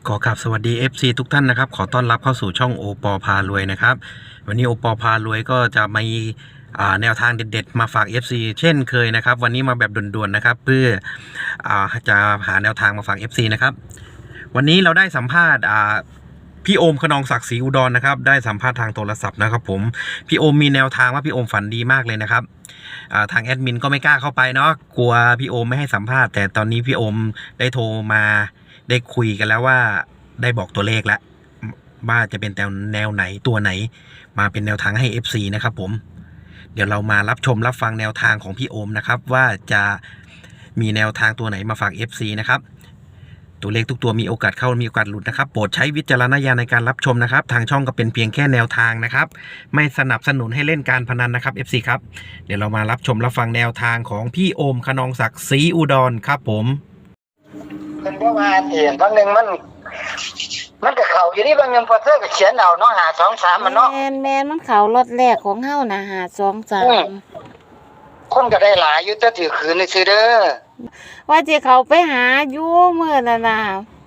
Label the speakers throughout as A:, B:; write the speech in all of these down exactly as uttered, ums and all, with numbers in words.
A: ก็ครับสวัสดี เอฟ ซี ทุกท่านนะครับขอต้อนรับเข้าสู่ช่องโอปอพารวยนะครับวันนี้โอปอพารวยก็จะมีแนวทางเด็ดๆมาฝาก เอฟ ซี เช่นเคยนะครับวันนี้มาแบบด่วนๆนะครับเพื่อจะหาแนวทางมาฝาก เอฟ ซี นะครับวันนี้เราได้สัมภาษณ์พี่โอมขนองศักดิ์ศรีอุดรนะครับได้สัมภาษณ์ทางโทรศัพท์นะครับผมพี่โอมมีแนวทางว่าพี่โอมฝันดีมากเลยนะครับทางแอดมินก็ไม่กล้าเข้าไปเนาะกลัวพี่โอมไม่ให้สัมภาษณ์แต่ตอนนี้พี่โอมได้โทรมาได้คุยกันแล้วว่าได้บอกตัวเลขแล้วว่าจะเป็นแนวไหนตัวไหนมาเป็นแนวทางให้ เอฟ ซี นะครับผมเดี๋ยวเรามารับชมรับฟังแนวทางของพี่โอมนะครับว่าจะมีแนวทางตัวไหนมาฝาก เอฟ ซี นะครับตัวเลขทุกตัวมีโอกาสเข้ามีโอกาสหลุดนะครับโปรดใช้วิจารณญาณในการรับชมนะครับทางช่องก็เป็นเพียงแค่แนวทางนะครับไม่สนับสนุนให้เล่นการพนันนะครับ เอฟ ซี ครับเดี๋ยวเรามารับชมรับฟังแนวทางของพี่โอมขนองศักดิ์ศรีอุดรครับผม
B: เป็นเพราะว่าเห็นบางหนึ่งมันมันกับเขาอยู่นี่บางหนึ่งพอเธอก็เขียนเอาเนาะหาสองสามมันเนาะ
C: แมนแมนมันเขารถแรกของเฮานะหาสองสาม
B: คนก็ได้หลายอยู่แต่ถือคืนในซื้อเด้อ
C: ว่าจะเขาไปหาอยู่เมื่อน่ะนะ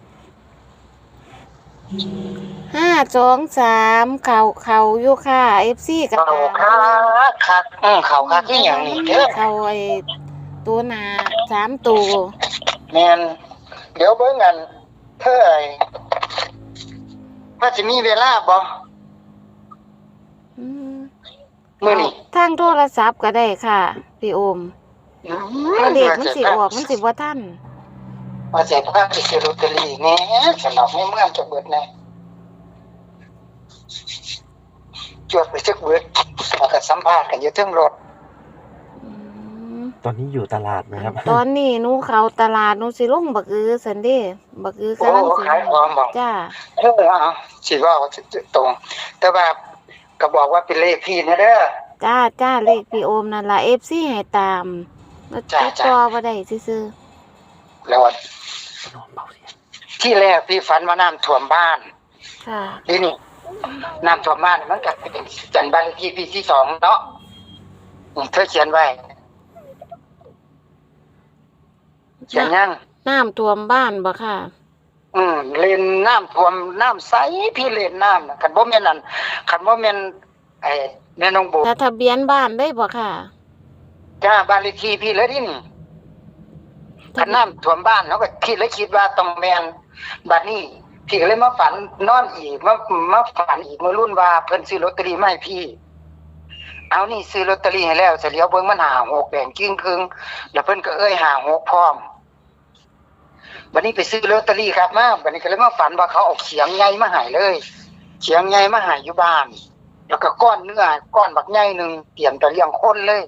C: ห้าสองสามเขาเขาอยู่ค่ะเอฟซีกับ
B: เขาคักคักอืมเขาคักที่อย่างนี้เด้อ
C: เขาไอ้ตัวหนาสามตัว
B: แมนเดี๋ยวเบิ่งกันเท่าไหร่ว่าจะมีเวลาบ่มื้อนี้
C: ทางโทรศัพท์ก็ได้ค่ะพี่โอมตัวเด็กมันสิออกมันสิบ่ทัน
B: ว่าจะพาไปซื้อลอตเตอรี่แหน่สำหรับในเมืองจะเบิดแน่จวดไปจักเบิดแล้วก็สัมภาษณ์กันอยู่เทิงรถ
A: ตอนนี้อยู่ตลาดไหมครับ
C: ตอนนี้หนูเข้าตลาดหนูสิลงบักอือซั่นเด้บักอือกำลังสิ
B: ขายของบ่
C: จ้า
B: เออเอาสิว่าตรงแต่ว่าก็บอกว่าเป็นเลขพี่นะเด้อ
C: จ้าจ้าเลขพี่โอมนั่นล่ะ เอฟ ซี ให้ตาม
B: จ้า
C: จ้าต่อบ่ได้ซื่อ
B: ๆแล้วที่แรกพี่ฝันว่าน้ำท่วมบ้าน
C: ค่ะ
B: ทีนี้น้ำท่วมบ้านมันก็เป็นจันบ้านเลขที่พี่ที่สองเนาะเธอเขียนไว้เขียนยัง
C: น้ำท่วมบ้านบ่ค่ะ
B: อืมเล่นน้ำท่วมน้ำใสพี่เล่นน้ำน่ะคันบ่แม่นนั่นคันบ่แม่นไอ้แม่น้องโบ
C: ทะเบียนบ้านได้บ่ค่ะ
B: จ้าบ้านเลขที่พี่เลยดินี่คันน้ำท่วมบ้านเนาะก็คิดเลยคิดว่าต้องแม่นบัดนี้พี่ก็เลยมาฝันนอนอีกมามาฝันอีกมารุ่นว่าเพิ่นซื้อลอตเตอรี่มาให้พี่เอานี่ซื้อลอตเตอรี่ให้แล้วเสร็จแล้วเบิ่งมันหาหกแดงจึ้งครึ่งแล้วเพิ่นก็เอ้ยหาหกพร้อมบัดนี้ไปซื้อลอตเตอรี่ครับมาบัดนี้ก็เลยมาฝันว่าเขาเอาเขียงใหญ่มาให้เลยเขียงใหญ่มาให้อยู่บ้านแล้วก็ก้อนเนื้อก้อนบักใหญ่นึงเตรียมจะเลี้ยงคนเลย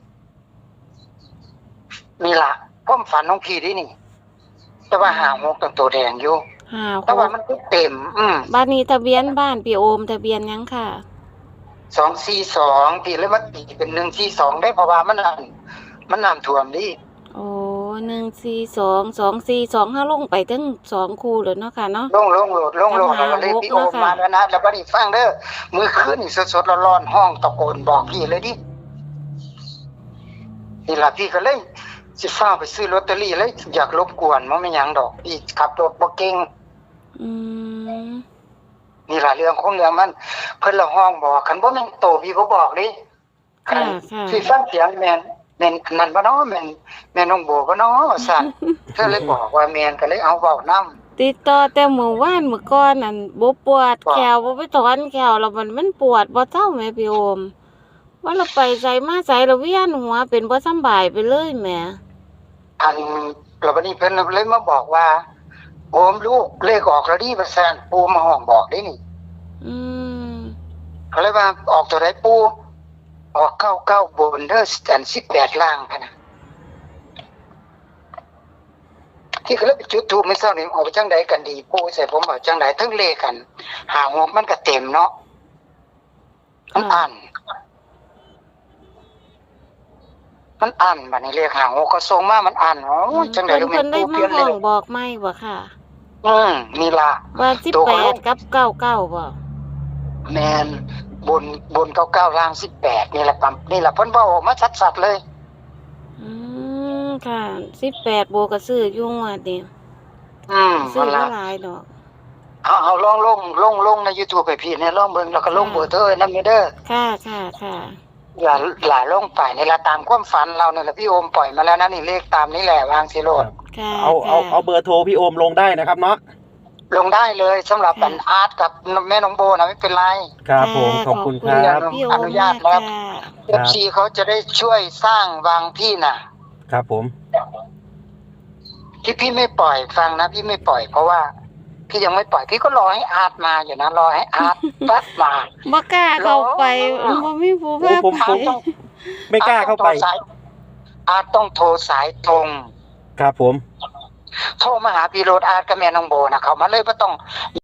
B: นี่ล่ะความฝันของพี่ดินี่แต่ว่าหาหกตั้งตัวแดงอยู่แต่ว่ามันเต็มอืม
C: บ้านนี้ทะเบียนบ้านพี่โอมทะเบียนยังค่ะ
B: สองสี่สองพี่เลยมาตีเป็นหนึ่งสี่สองได้เพราะว่ามันนั่นมันน้ำท่วมดิ
C: โอ้หนึ่งสี่สองสองสี่สองห้าลงไปทั้งสองคู่เลยเนาะค่ะเนาะ
B: ลงลงโหลดลงโหลดแล้วเลยพี่โอมมาแล้วนะแล้วบัดนี้ฟังเด้อมื้อคืนนี่สดๆร้อนๆห้องตะโกนบอกพี่เลยดินี่ล่ะพี่ก็เลยสิฟ้าไปซื้อลอตเตอรี่เลยอยากรบกวนมันไม่หยังดอกพี่ขับรถบ่เก่ง
C: อืม
B: นี่ล่ะเรื่องของเรื่องมันเพิ่นละห้องบอกคันบ่แม่นโตพี่บ่บอกดิ
C: ค่ะ
B: พี่ฟังเสียงแม่นแม่นนั่นบ่เนาะแม่นแม่น้องโบบ่เนาะสั่นเธอเลยบอกว่าแม่นก็เลยเอาเว้านำ
C: ติดต่อแต่มื้อวานมื้อก่อนนั่นบ่ปวดแขวบ่ไปถอนแขวแล้วมันมันปวดบ่เจ้าแม่พี่โอมว่าเราไปไสมาไสแล้วเวียนหัวเป็นบ่สำบายไปเลยแม่
B: อันแล้วบัดนี้เพิ่นเลยมาบอกว่าโอมลูกเลขออกแล้วดิว่าซั่นปู่มาห้องบอกได้นี่
C: อืม
B: ก็เลยว่าออกตัวใดปู่ออกเก้าเก้าบนเด้ออันสิบแปดล่างคั่นน่ะที่ก็เลยไปจุดธูปมื้อเช้านี่ออกไปจังได๋กันดีปู่ใส่ผมเอาจังได๋ทั้งเลขกันหาหกมันก็เต็มเนาะมันอันมันอันบัดนี้เลขหาหกก็ส่งมามันอันอ๋อจังได๋รู้แม่นปู่เปลี่ยนเลย
C: บอกใหม่บ่ค่ะ
B: อืมนี่ล่ะ
C: ว่าสิบแปดกับเก้าเก้าบ่
B: แม่นบนบนเก้าเก้าล่างสิบแปดนี่แหละปั๊มนี่แหละเพิ่นเว้าออกมาชัดๆเลย
C: อืมค่ะสิบแปดโบก็ซื้ออยู่งวดนี่
B: อืม
C: ซื้อบ่หลายดอก
B: เอาเอาลองลงลงลงใน YouTube ไปพี่เนี่ยลองเบิ่งแล้วก็ลงเบอร์เธอนำเด้อ
C: ค่ะค่ะค่ะ
B: อย่าหลาลงไปในละตามความฝันเราเนี่ยแหละพี่โอมปล่อยมาแล้วนะนี่เลขตามนี้แหละวางสิโลด
C: ค่ะ
A: เอาเอา
C: ค่ะ
A: เอาเบอร์โทรพี่โอมลงได้นะครับเนาะ
B: ลงได้เลยสำหรับอันอาร์ตกับแม่น้องโบนะไม่เป็นไร
A: ครับผมขอบคุณครับ
C: พี่โอ
B: อ
C: ม
B: นุญาต
C: มาก
B: แล้ว
C: ค่ะ
B: เอฟซีเขาจะได้ช่วยสร้างวางพี่น่ะ
A: ครับผม
B: ที่พี่ไม่ปล่อยฟังนะพี่ไม่ปล่อยเพราะว่าพี่ยังไม่ปล่อยพี่ก็รอให้อาร์ตมาอยู่นะรอให้อาร์ตปั๊บมา
C: บ่กล้าเข้าไป
B: รอ
C: บ่มีผู้
A: โอ้
C: พา
A: ผม
C: ไป
A: ผม ไม่กล้าเข้าไป
B: อาร์ตต้องโทรสายตรง
A: ครับผม
B: โทรมาหาพี่โรดอาร์ตกับแม่น้องโบนะเขามาเลยว่าต้อง